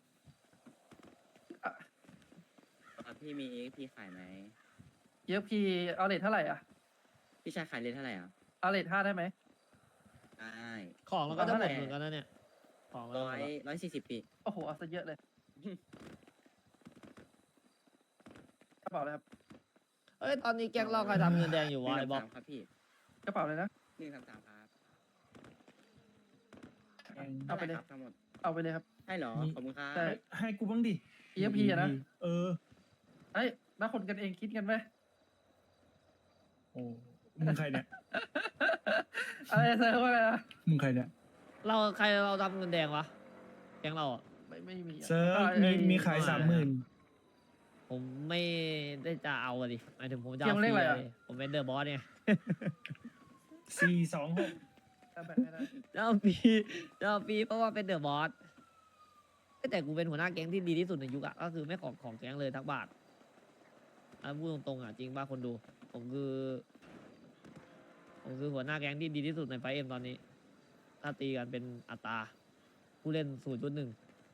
Speaker 8: พี่มีเอ็กพี่ขายไหม
Speaker 3: เยอะพีเอาเลทเท่าไหร่อ่ะ
Speaker 8: พี่ชายขายเลทเท่าไหร่อ่ะ
Speaker 3: เอาเลทห้าได้ไหม
Speaker 8: ได้
Speaker 1: ของเราก็จะหมด
Speaker 3: เท่าไหร่
Speaker 1: เหมือนกันนะเนี่ย ของเรา
Speaker 8: ร้อยร้อยสี่สิบปี
Speaker 3: โอ้โหเอาซะเยอะเลยกระเป๋าเลยครับ
Speaker 1: เอ้ยตอนนี้แก๊งเราใครทำเงินแดงอยู่วะไอ้บ๊อบ
Speaker 8: ครับพี่
Speaker 3: กระเป๋าเลยนะ
Speaker 8: หนึ่งสามสามครับ
Speaker 3: เอาไปเลย
Speaker 8: ด้ครับทั้งหมด
Speaker 3: เอาไปเลยครับ
Speaker 8: ใช่เหรอ
Speaker 4: มี
Speaker 8: ขอบคุณครับ
Speaker 3: ใช่
Speaker 4: ให้กูบ้างดิ
Speaker 3: เยอะพีอะนะ
Speaker 4: เออ
Speaker 3: เอ้ยแล้วคนกันเองคิดกันไหม
Speaker 4: โอ้ มึงใครเนี่ย
Speaker 3: อะไรเซิร์ฟว่าไงนะ
Speaker 4: มึงใครเนี่ย
Speaker 1: เราใครเราทำเงินแดงวะ แก๊งเราอ่ะ
Speaker 3: ไม่ไม่มีอะ
Speaker 4: เซิร์ฟ
Speaker 3: ก็
Speaker 4: มี
Speaker 3: ไอ้
Speaker 4: มีขายสามหมื่น
Speaker 1: ผมไม่ได้จะเอาอะดิหมายถึงผมจะ
Speaker 3: เก
Speaker 1: เอา
Speaker 3: ม
Speaker 1: ฟ
Speaker 3: เล
Speaker 1: รี
Speaker 3: ขอะไร
Speaker 1: อะ
Speaker 3: อะ
Speaker 1: ดิผมเป็นเดอะบอสเนี่ย
Speaker 4: สี่สองหก
Speaker 3: เอาแบ่งให้ได้
Speaker 1: จะเอาฟรีจะเอาฟรีเพราะว่าเป็นเดอะบอสแต่กูเป็นหัวหน้าแก๊งที่ดีที่สุดในยุคอะก็คือไม่ของของแก๊งเลยทักบาทอันพูดตรงๆอะจริงป่ะคนดู ผมคือผมคือหัวหน้าแก๊งที่ดีที่สุดในไฟเอ็มตอนนี้ ถ้าตีกันเป็นอัตรา ผู้เล่นศูนย์จุดหนึ่ง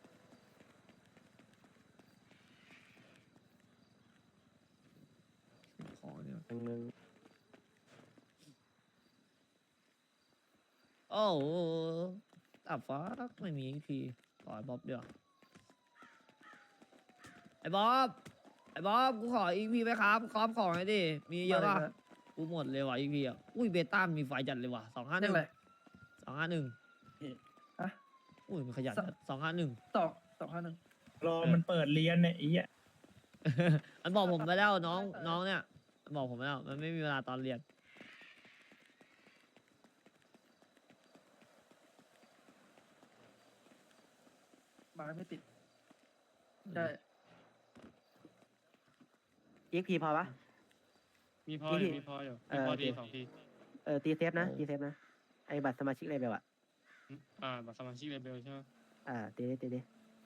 Speaker 1: ของเนี่ยโอ้โหตับฟ้าไม่มีพีขอไอ้บ๊อบเดี๋ยวาไอ้บ๊อบไอ้บ๊อบกูขออีกพีไหมครับคอมของไอ้ดิ มีเยอะป่ะ
Speaker 3: มาล
Speaker 1: กูหมดเลยว่ะอีพีอ่ะ อุ้ยเบต้ามีไฟจัดเลยว่ะสองห้าห
Speaker 3: เล
Speaker 1: นึ่
Speaker 3: ข
Speaker 1: ง
Speaker 3: อะไร
Speaker 1: สองห้าหนึ่ง
Speaker 3: ฮะ
Speaker 1: อุ้ยมันขยัน
Speaker 3: สอง
Speaker 1: สองห้าหนึ่ง
Speaker 3: สองสองห้าหนึ่ง
Speaker 4: รอมันเปิดเรียนเนี่ยไอ้เหี้ย
Speaker 1: มันบอกผมไปแล้วน้องน้องเนี่ยมันบอกผมไปแล้ว มันไม่มีเวลาตอนเรียน
Speaker 3: มาไม่ติดได้
Speaker 9: อีกพีพอปะ
Speaker 10: มีพออยู่
Speaker 9: พี่
Speaker 10: มีพออยู่
Speaker 9: เอ
Speaker 10: มี
Speaker 9: อ
Speaker 10: พอ
Speaker 9: โอเค
Speaker 10: ดีสองที
Speaker 9: เออตีเซฟนะ
Speaker 1: โอ้
Speaker 9: ตีเซฟนะ ไอ้บัตรสมาชิกเลเบลอะ
Speaker 10: อ่าบัตรสมาชิกเลเบลใช่ไหม
Speaker 9: อ่าตีดิตีดิ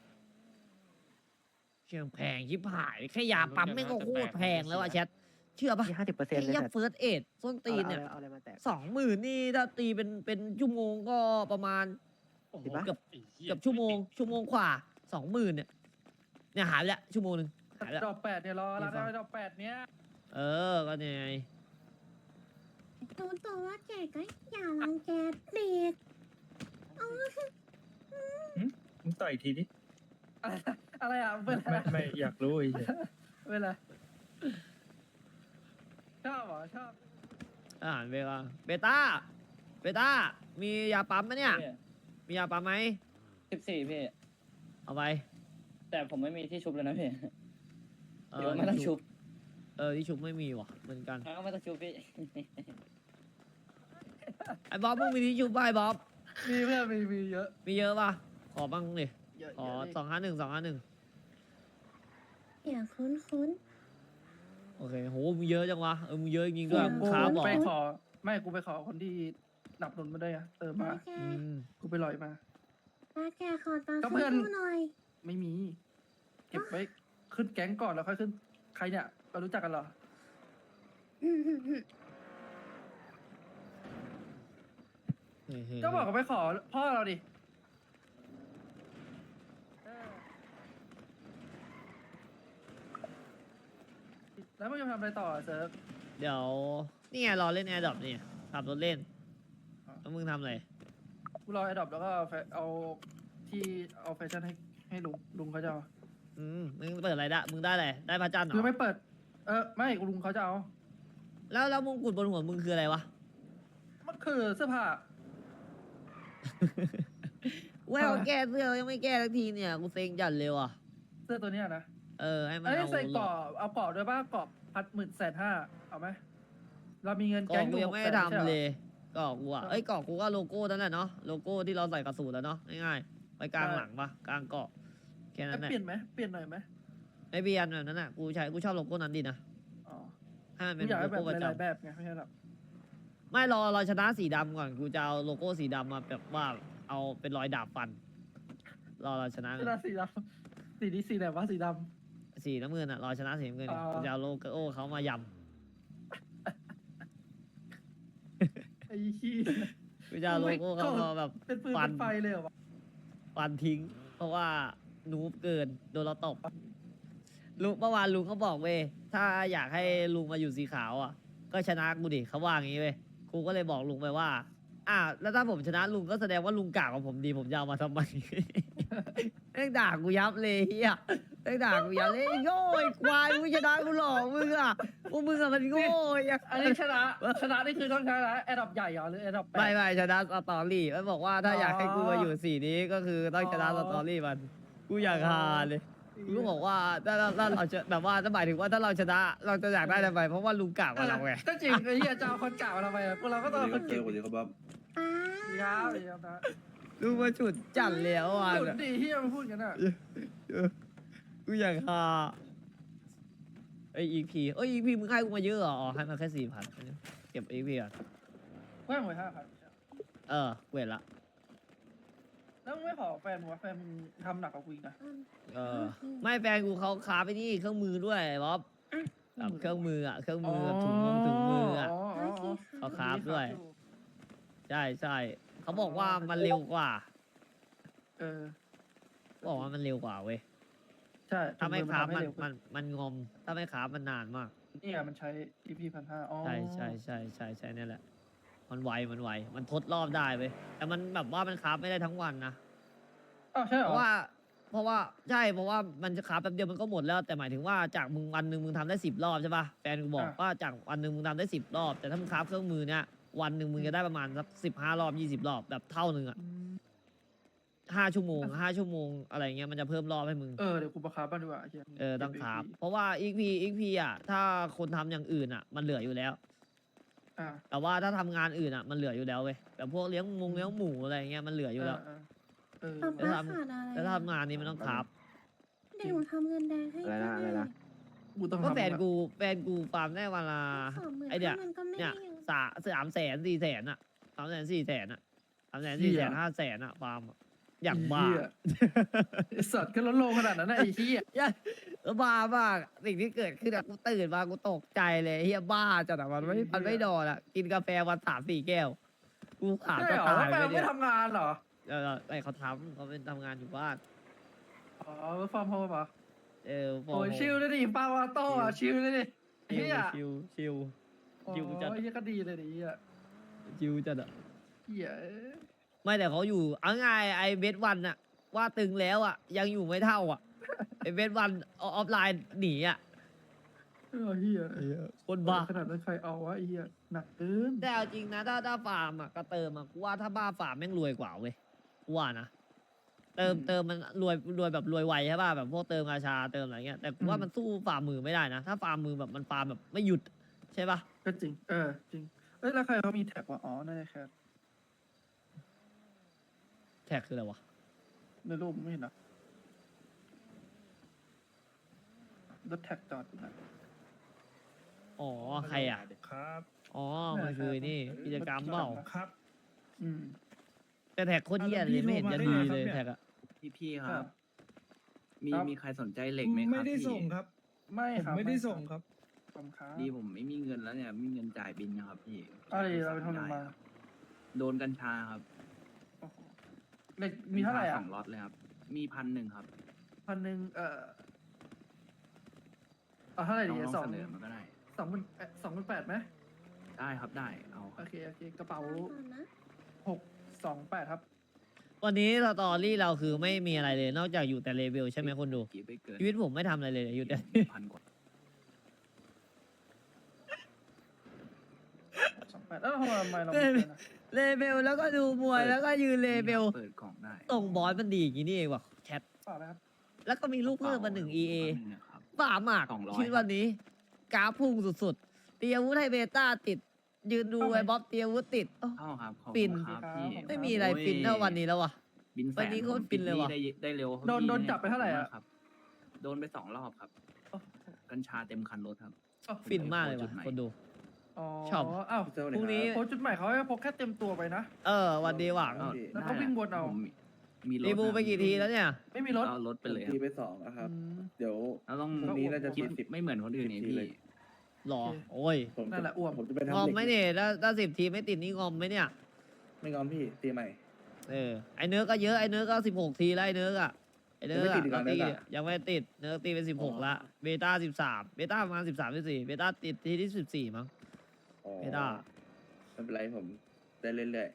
Speaker 1: เชียงแพงชิบหาย แค่ยาปั๊มไม่งก็โคตรแพงแล้วอะแชท เชื่อปะ
Speaker 9: ที่ห้าสิบเปอร์เซ็น
Speaker 1: ไอ้
Speaker 9: ต์เลย
Speaker 1: ยับ
Speaker 9: แต่
Speaker 1: เฟิร์สเอ็ดส้นตีนเนี่ย
Speaker 9: เอาอะไรมาแตก
Speaker 1: สองหมื่นนี่ถ้าตีเป็นเป็นชั่วโมงก็ประมาณ
Speaker 10: โอ้โห
Speaker 9: เห็นปะ
Speaker 1: เกือบ
Speaker 10: ไอ้หี้ย
Speaker 1: เกือบชั่วโมง ชั่วโมงกว่าสองหมื่นเนี่ย เนี่ยหายไปแล้วชั่วโมงหนึ่งหายไปแล้ว
Speaker 3: ดอกแปดเนี่ยรอรับ
Speaker 1: นี่ฟัง
Speaker 3: ได้ดอกแปดเนี่ย
Speaker 1: เออ ก็เนี่ยไง
Speaker 11: โดนตัวว่าแกก็อย่ารังแกเด็ก
Speaker 4: มึงต่อยอีกทีดิ
Speaker 3: อะไรอะไรอ่ะเป็นอะไร
Speaker 4: ไม่ไม่อยากรู้ไอ้เหี้ย
Speaker 3: เป็นอะไรชอบเหรอชอบ
Speaker 1: อาหารเบต้าเบต้า เบต้า มียาปั๊มไหมเนี่ย มียาปั๊มไหม
Speaker 7: สิบสี่พี่
Speaker 1: เอาไป
Speaker 7: แต่ผมไม่มีที่ชุบเลยนะพี่
Speaker 1: เอ
Speaker 7: เดี๋ยว
Speaker 1: อ
Speaker 7: ไม่ต้องชุบ
Speaker 1: เออ ที่ชุบไม่มีว่ะ เหมือนกัน
Speaker 7: แล้วก็ไม่ต้องชุบพี่
Speaker 1: ไอ้บ๊อบมึงมีที่ชุบป่ะไอ้บ๊อบ
Speaker 3: มีเพื่อนมีมีเยอะ
Speaker 1: มีเยอะป่ะ ขอบ้างดิ
Speaker 3: เยอะ
Speaker 1: ขอ
Speaker 3: เยอะ
Speaker 1: สองห้าหนึ่งสองห้าหนึ่ง
Speaker 11: อย่าคุ้นคุ้น
Speaker 1: โอเค โห มึงเยอะจังวะ เออ มึงเยอะจริงๆด้วย
Speaker 11: เออ
Speaker 1: มึงค้าบอก
Speaker 3: ไปขอ ไม่กูไปขอคนที่หนับหนุนมาด้วยอะเติม
Speaker 11: ๆ
Speaker 3: มา
Speaker 11: มาแก
Speaker 1: อืม
Speaker 3: กูไปลอยมา
Speaker 11: มาแกขอตังค์
Speaker 3: ก็เพื่อน
Speaker 11: ซื้อหน่อย
Speaker 3: ไม่มี เก็บไว้ขึ้นแก๊งก่อนแล้วค่อยขึ้น ใครเนี่ยเรารู้จักกันเหรอ
Speaker 1: เฮ้ยๆ
Speaker 3: ก็บอกว่าไปขอพ่อเราดิเออแล้วมันจะทำอะไรต่ออะเซิร์ฟ
Speaker 1: เดี๋ยวนี่ไงรอเล่นแอร์ดรอปนี่ขับรถเล่นแล้วมึงทำอะไร
Speaker 3: กูรอไอ้ดอกแล้วก็แฟเอาที่เอาแฟชั่นให้ให้ลุงลุงเขาจะเอา
Speaker 1: อืมมึงเปิดอะไรได้มึงได้อะไรได้พระจันทร์เหร
Speaker 3: คือ
Speaker 1: อ
Speaker 3: ไม่เปิด เออไม่ลุงเขาจะเอา
Speaker 1: แล้วแล้วมงกุฎบนหัวมึงคืออะไรวะ
Speaker 3: มันคือเสื้อผ้า
Speaker 1: เว้ยเอาแก้เสื้อยังไม่แก้สักทีเนี่ยกูเซ็งจัดเลยว่ะ
Speaker 3: เสื้อตัวเนี้ยนะ
Speaker 1: เออให้มัน
Speaker 3: เอ้ย
Speaker 1: เอา
Speaker 3: ใส่เกาะเอาเกาะด้วยป่ะเกาะพัดหมื่นแสนห้าเอาไหมเรามีเงิน
Speaker 1: กล่
Speaker 3: แก๊
Speaker 1: อง
Speaker 3: ง
Speaker 1: กู
Speaker 3: อยู่
Speaker 1: ยังไม่
Speaker 3: หกแส
Speaker 1: ได้
Speaker 3: นใช่
Speaker 1: ทำ
Speaker 3: เหร
Speaker 1: เล
Speaker 3: อย
Speaker 1: กล่องกูอ่ะเอ้ยกล่องกูก็โลโก้นั่นแหละเนาะโลโก้ที่เราใส่กระสุนแล้วเนาะง่ายๆไว้กลางหลังปะกลางเกาะแค่นั้นแห
Speaker 3: จะ
Speaker 1: ละ
Speaker 3: เปลี่ยนไหมเปลี่ยนหน่อยไหม
Speaker 1: ไม่เบียนแบบนั้นอ่ะกูใช้กูชอบโลโก้นั้นดีนะ
Speaker 3: อ๋อ
Speaker 1: ให้มัน
Speaker 3: กู
Speaker 1: เป็น
Speaker 3: อยาก
Speaker 1: โล
Speaker 3: ให้แบบ
Speaker 1: โก้ประ
Speaker 3: หลายๆ
Speaker 1: จำ
Speaker 3: แบบไงไม่ใช่หรอ
Speaker 1: ไม่รอรอชนะสีดำก่อนกูจะเอาโลโก้สีดำมาแบบว่าเอาเป็นรอยดาบฟัน รอเราชนะ
Speaker 3: เสื้อสีดำสีนี้สีไหนวะสีด
Speaker 1: สีน้ำเงินอ่ะรอชนะสีน้ำเงินดิ
Speaker 3: อ๋อ
Speaker 1: กูจะเอาโลโก้เขามาย
Speaker 3: ำไอ้ขี้
Speaker 1: ำกูจะเอาโลโก้เขามาแบบ
Speaker 3: เป็นปืน
Speaker 1: ฟั
Speaker 3: เป็น นไฟเลยเหรอวะ
Speaker 1: ฟันทิ้ง เพราะว่านูบเกินโดนเราตบลุงเมื่อวานลุงเขาบอกเว้ยถ้าอยากให้ลุงมาอยู่สีขาวอ่ะ ก็ชนะกูดิเขาว่าอย่างนี้เว้ยกูก็เลยบอกลุงไปว่า อ่าแล้วถ้าผมชนะลุงก็แสดงว่าลุงกากกว่าผมดีผมจะเอามาทำไม แม่งด่ากูยับเลยเฮียแม่งด่ากูยับเลยไอ้โง่ไอ้ควายมึงชนะกูหลอกมึงอ่ะพวกมึงอะมันโง่ไอ้
Speaker 3: อันนี้ชนะชนะนี่คือต้องชนะแอดดอปใหญ่เหรอหรือแอดดอปแป
Speaker 1: ไม่
Speaker 3: ด
Speaker 1: ไม่ชนะสตอรี่มันบอกว่าถ้าอยากให้กูมาอยู่สีนี้ก็คือต้องชนะ
Speaker 3: อ๋
Speaker 1: ส
Speaker 3: อ
Speaker 1: ตอรี่มันกูอยากฮาเลยกูก็บอกว่าถ้าถ้าถ้าเราจะแบบว่าถ้าหมายถึงว่าถ้าเราชนะเราจะอยากได้ทำไมเพราะว่าลุงกากกว่าเราไง
Speaker 3: ก็จริงไอ้เหี้ยจะเอาคนเก่ามาทำไมอะพวกเราก็ต้องเอาคนเก่ง
Speaker 2: สวัสดีครับบ๊อบ
Speaker 11: ป้า
Speaker 3: ดีครับดีครับนะ
Speaker 1: ลุงมาฉุดจัดแล้วอ่ะ
Speaker 3: สุดดีเฮียมาพูดกันอ่ะ
Speaker 1: กูอยากฮาไออีพีเอ้ยอีพีมึงให้กูมาเยอะเหรออ๋อให้มาแค่สี่พันเก็บอีพีก่อน
Speaker 3: แว่งไว้ห้าพัน
Speaker 1: เออเวทละ
Speaker 3: แล้วมึงไม่ขอแฟนมึงวะแฟนมึงทำหนักกว่ากูอีกนะ
Speaker 1: เออไม่แฟนกูเขาคาไปนี่เครื่องมือด้วยบ๊อบแบบเครื่องมืออ่ะเครื่องมือแบบถุงมือถุงมืออ่ะ
Speaker 3: อ๋ออ๋ออ๋อ
Speaker 1: เขาคราฟด้วย ใช่ใช่เขาบอกว่ามันเร็วกว่า
Speaker 3: เออ
Speaker 1: บอกว่ามันเร็วกว่าเว้ย
Speaker 3: ใช่
Speaker 1: ถ้าไม่คราฟมัน
Speaker 3: เร็วขึ้
Speaker 1: มันมันงอม ถ้าไม่คราฟมันนานมาก
Speaker 3: นี่ไงมันใช้ อี พี พันห้าอ๋อ
Speaker 1: ใช่ใช่ใช่ใช่ใช่นี่แหละ มันไวมันไวมันทดรอบได้เว้ยแต่มันแบบว่ามันคราฟไม่ได้ทั้งวันนะ
Speaker 3: อ้าวใช่เหร
Speaker 1: เพ
Speaker 3: อ
Speaker 1: ราะว่า เพราะว่าใช่เพราะว่ามันจะคราฟแป๊บเดียวมันก็หมดแล้วแต่หมายถึงว่าจากมึงวันหนึ่งมึงทำได้สิบรอบใช่ป่ะแฟนกูบอกว่าจากวันหนึ่งมึงทำได้สิบรอบ แต่ถ้ามึงคราฟเครื่องมือเนี้ยวันหนึ่งมึงจะได้ประมาณสักสิบห้ารอบยี่สิบรอบแบบเท่าหนึ่งอะ
Speaker 3: อืม
Speaker 1: ห้าชั่วโมงห้าชั่วโมงอะไรเงี้ยมันจะเพิ่มรอบให้มึง
Speaker 3: เออเดี๋ยวกูประคาบ้างดีกว่าไอ้เหี้ย
Speaker 1: เออต้องคราฟเพราะว่าอีกพีอีกพีอ่ะถ้าคนทำอย่างอื่นอ่ะ มันเหลืออยู่แล้ว
Speaker 3: อ่า
Speaker 1: แต่ว่าถ้าทำงานอื่นอ่ะมันเหลืออยู่แล้วเว้ยแบบพวกเลี้ยงมงเลี้ยงหมูอะไรเงี้ยมันเหลืออยู่แล้ว
Speaker 3: เออเออ
Speaker 11: ป้า
Speaker 3: เออ
Speaker 11: ป้าขาดอะไร
Speaker 1: แล้วถ้าทำงานนี้มันต้องคราฟ
Speaker 11: เดี๋ยวหนูทำเงินแดงให้
Speaker 9: อะไรนะอะไรนะ
Speaker 3: กูต้อง
Speaker 1: ก็
Speaker 3: ทำ
Speaker 1: แฟนกูแฟนกูฟาร์มได้วันละ
Speaker 11: สองหมื่น
Speaker 1: ไอเดีย
Speaker 11: มันก็ไม่
Speaker 1: เนี่ย
Speaker 11: ได้เยอะ
Speaker 1: สาสามแสนสี่แสนอ่ะสามแสนสี่แสนอ่ะสามแสนสี่แสนห้าแสนอ่ะฟาร์มอะอย่างบ้า
Speaker 3: ไเหี้ยไอ้สัตว์ก็ลดลงขนาดนั้นนะไอ้เหี้ย
Speaker 1: อย่าบ้ามากสิ่งที่เกิดขึ้นอะกูตื่นมากูตกใจเลยเฮียบ้าจัดอะมันไม่มันไม่นอนอะกินกาแฟวันสามสี่แก้ว กูขาด
Speaker 3: ใช่
Speaker 1: จะ
Speaker 3: เหรอ
Speaker 1: ตาย
Speaker 3: แล้วแฟ
Speaker 1: ไป
Speaker 3: น
Speaker 1: เนี่
Speaker 3: ไม่
Speaker 1: ย
Speaker 3: ทำงานเหรอ
Speaker 1: เออไอเขาทำเขาเป็นทำงานอยู่บ้าน
Speaker 3: อ๋อฟาร์มโฮมเหรอ
Speaker 1: เออ
Speaker 3: โอ้ยชิลเลยดิปาวาโต้อะชิลเลยดิ
Speaker 1: ชิว
Speaker 3: เฮีย
Speaker 1: ชิวชิว
Speaker 3: โอ้
Speaker 1: ชิลจัด
Speaker 3: ยเฮียก็ดีเลยดิเฮีย
Speaker 1: ชิวจัดอะ
Speaker 3: เฮียเอ้ย
Speaker 1: ไม่แต่เขาอยู่เอาง่ายไอเบสวันอะว่าตึงแล้วอะยังอยู่ไม่เท่าอะไอเบสวันออฟไลน์หนีอะ
Speaker 3: เออเฮีย
Speaker 1: คนบ้า
Speaker 3: ขนาดนั้นใครเอาวะไอ้เฮียหนักเกิน
Speaker 1: แต่เอาจริงนะถ้าถ้าฟาร์มอะก็เติมอะกูว่าถ้าบ้าฟาร์มแม่งรวยกว่าเว้ยกูว่านะเติมเติมมันรวยรวยแบบรวยไวใช่ป่ะแบบพวกเติมกาชาเติมอะไรเงี้ยแต่กูว่ามันสู้ฟาร์มมือไม่ได้นะถ้าฟาร์มมือแบบมันฟาร์มแบบไม่หยุดใช่ป่ะ
Speaker 3: ก็จริง เออ จริง เอ้ย แล้วใครเขามีแท็กวะอ๋อน่าจะแค่
Speaker 1: แท็กคืออะไรวะ
Speaker 3: ในรูปไม่เห็นนะรถแท็กจอดอยู่นะ
Speaker 1: อ๋อใครอ่ะ
Speaker 4: ครับ
Speaker 1: อ๋อมันคือนี่กิจกรรมเปล่า
Speaker 4: ครับ
Speaker 3: อืม
Speaker 1: แต่แท็กโคตรเหี้ยเลยไม่เห็นจะดีเลยแท็กอะ
Speaker 5: พี่พี่ค
Speaker 3: ครั
Speaker 5: รับ
Speaker 3: บ
Speaker 5: มี
Speaker 3: ครับ
Speaker 5: มีใครสนใจเหล็กไหมครับ
Speaker 4: ไม่ได้
Speaker 5: พี่
Speaker 4: ส่งครับ
Speaker 3: ไม่
Speaker 4: ผม
Speaker 3: ครับ
Speaker 4: ไม่ได้ส่งครับ
Speaker 3: ขอบคุณครับ
Speaker 5: ดีผมไม่มีเงินแล้วเนี่ยไม่มีเงินจ่ายบินนะครับพี่
Speaker 3: อะไรเราไปทำอะไรมา
Speaker 5: โดนกัญชาครับ
Speaker 3: โอ้โหเหล็กมีเท่าไหร่
Speaker 5: กัญช
Speaker 3: อ่ะ
Speaker 5: สองล็อตเลยครับ มีพันหนึ่งครับ
Speaker 3: พันหนึ่งเอ่อเอาเท่าไหร่
Speaker 5: ล
Speaker 3: ดี
Speaker 5: องลอง
Speaker 3: สอง
Speaker 5: เสนอมาก็ได้
Speaker 3: สองพันสองพันแปดไหม
Speaker 5: ได้ครับได้เอาค
Speaker 3: โอ
Speaker 5: รับ
Speaker 3: เคโอเคกระเป๋า
Speaker 11: ก่อนนะ
Speaker 3: หกสองแปดครับ
Speaker 1: วันนี้สตอรี่เราคือไม่มีอะไรเลย นอกจากอยู่แต่เลเวลใช่ไหมคนดู
Speaker 5: กี่ไปเกิน
Speaker 1: ชีวิตผมไม่ทำอะไรเลยอยู่แต่
Speaker 5: พันกว่า
Speaker 3: สองแปดแล้วทำไมเราไม่เจอนะ
Speaker 1: เลเวลแล้วก็ดูมวยแล้วก็ยืนเลเวล
Speaker 5: เปิดกล่องได้
Speaker 1: ตรงบอสมันดีอย่างนี้นี่เองว่ะแชท
Speaker 3: เปล่านะครับ
Speaker 1: แล้วก็มีลูกเพิ่มมาหนึ่ง อี เอ
Speaker 5: แป๊บนึงนะครับ
Speaker 1: บ้ามาก
Speaker 5: สองร้อย
Speaker 1: ชีวิตวันนี้กราฟพุ่งสุดๆเตียวุธให้เบต้าติด ยืนดูไอ้บ๊อบเตียวุธติดโอ้
Speaker 5: เข้าครับขอบคุณ
Speaker 1: ปิ่น
Speaker 5: ครับพี่
Speaker 1: ไม่มีอะไรฟินเท่าวันนี้แล้วว่ะ
Speaker 5: บินแส
Speaker 1: วันนี้โคตรฟินเลยว่ะ
Speaker 5: ได้ได้เร็ว
Speaker 3: โดน
Speaker 5: พี่
Speaker 3: โดนจับไปเท่าไหร่อะ
Speaker 5: ครับ โดนไปสองรอบครับ
Speaker 3: โอ้
Speaker 5: กัญชาเต็มคันรถครับ
Speaker 3: โอ้
Speaker 1: ฟินมากเลย
Speaker 5: จุ
Speaker 1: ว่ะ
Speaker 5: ดไหน
Speaker 1: คนดู
Speaker 3: อ๋อ
Speaker 1: ชอบ
Speaker 3: อ้าว
Speaker 2: เจ้า
Speaker 1: พรุ่งนี้
Speaker 3: โอ้จุดหมายเขาให้พกแค่เต็มตัวไปนะ
Speaker 1: เออ วันดีหวัง
Speaker 5: ก็
Speaker 3: แล้วก็วิ่งวนเอา
Speaker 5: ผมมีมีรถ
Speaker 1: รีบูไปกี่ทีแล้วเนี่ย
Speaker 3: ไม่มีรถ
Speaker 5: เอารถไปเลยค
Speaker 2: ที
Speaker 5: รับ
Speaker 2: ไปสองนะครับ
Speaker 3: อืม
Speaker 2: เดี๋ยว
Speaker 5: เราต้อง
Speaker 2: พรุ่งนี้น่าจะ
Speaker 5: คิด
Speaker 2: สิบ
Speaker 5: ไม่เหมือนคนอื่นนี่
Speaker 2: สิบที
Speaker 5: พี่
Speaker 2: เลย
Speaker 1: หรอ
Speaker 3: โอเค
Speaker 1: โอ้ย
Speaker 2: ผม
Speaker 3: นั่นแหละอ้วม
Speaker 2: ผมจะไปทำ
Speaker 1: งอม
Speaker 2: เหล็ก
Speaker 1: ไหมเนี่ยถ้าถ้าสิบทีไม่ติดนี่งอมไหมเนี่ย
Speaker 2: ไม่งอมพี่ตีใหม่
Speaker 1: เออ ไอเนื้อก็เยอะ ไอเนื้อก็สิบหกทีแล้วไอเนื้ออะไอเนื้อ
Speaker 2: ยังไม่
Speaker 1: อะ
Speaker 2: ติดอีกเหรอ
Speaker 1: เราตี
Speaker 2: เนื้ออะ
Speaker 1: ยังไม่ติด เนื้อตีเป็นสิบหกละ เบต้าสิบสาม เบต้าประมาณสิบสามสิบสี่ เบต้าติดทีที่สิบสี่มั้ง
Speaker 2: อ๋อ
Speaker 1: เบต้า
Speaker 2: ไม่เป็นไรผมได้เรื่อย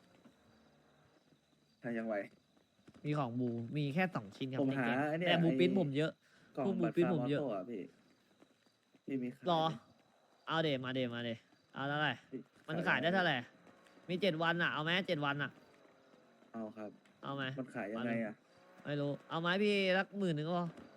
Speaker 2: ๆถ้ายังไหว
Speaker 1: มีของบู มีแค่สองชิ้นครับ
Speaker 2: ผม
Speaker 1: ใน
Speaker 2: หา
Speaker 1: เกม
Speaker 2: ไอ้เนี่ย
Speaker 1: แต่บู
Speaker 2: ไอ้
Speaker 1: ปิ้นผมเยอะ
Speaker 2: กล่อง
Speaker 1: พวกหมู
Speaker 2: บัตร
Speaker 1: ปิ้น
Speaker 2: ฟา
Speaker 1: ผ
Speaker 2: ร์
Speaker 1: ม
Speaker 2: มอ
Speaker 1: เยอะ
Speaker 2: โต้อะพี่ที่มีขาย
Speaker 1: รอ
Speaker 2: ไหม
Speaker 1: เอาเดมาเดมาเดเอาเท่าไหร่
Speaker 2: พี่
Speaker 1: มันขายได้เท่าไหร่ มีเจ็ดวันอะเอาไหมเจ็ดวันอะ
Speaker 2: เอาครับ
Speaker 1: เอาไหม
Speaker 2: มันขายยังไงอ่ะ
Speaker 1: ไม่รู้ เอาไหมพี่รักหมื่นหนึ่งก็พอ